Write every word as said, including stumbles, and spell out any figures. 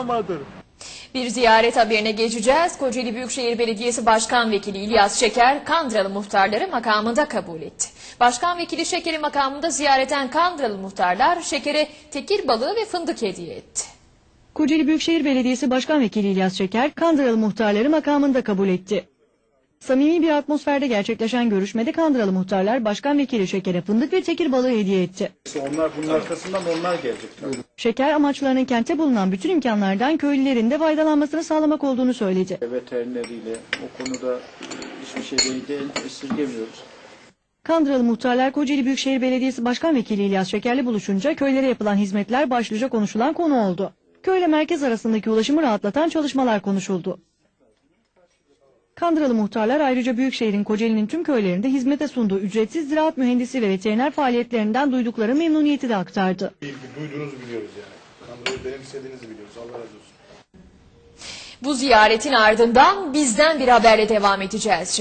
bulamadır. Bir ziyaret haberine geçeceğiz. Kocaeli Büyükşehir Belediyesi Başkan Vekili İlyas Şeker, Kandıralı muhtarları makamında kabul etti. Başkan Vekili Şeker'i makamında ziyareten Kandıralı muhtarlar Şeker'e tekir balığı ve fındık hediye etti. Kocaeli Büyükşehir Belediyesi Başkan Vekili İlyas Şeker, Kandıralı muhtarları makamında kabul etti. Samimi bir atmosferde gerçekleşen görüşmede Kandıralı muhtarlar Başkan Vekili Şeker'e fındık ve tekir balığı hediye etti. Onlar bunun arkasından onlar gelecek. Şeker amaçlarının kentte bulunan bütün imkanlardan köylülerin de faydalanmasını sağlamak olduğunu söyledi. Veterineriyle o konuda hiçbir şeyden de esirgemiyoruz. Kandıralı muhtarlar Kocaeli Büyükşehir Belediyesi Başkan Vekili İlyas Şeker'le buluşunca köylere yapılan hizmetler başlıca konuşulan konu oldu. Köyle merkez arasındaki ulaşımı rahatlatan çalışmalar konuşuldu. Kandıralı muhtarlar ayrıca Büyükşehir'in Kocaeli'nin tüm köylerinde hizmete sunduğu ücretsiz ziraat mühendisi ve veteriner faaliyetlerinden duydukları memnuniyeti de aktardı. İyi ki duyduğunuzu biliyoruz yani. Kandırayı benimsediğinizi biliyoruz. Allah razı olsun. Bu ziyaretin ardından bizden bir haberle devam edeceğiz.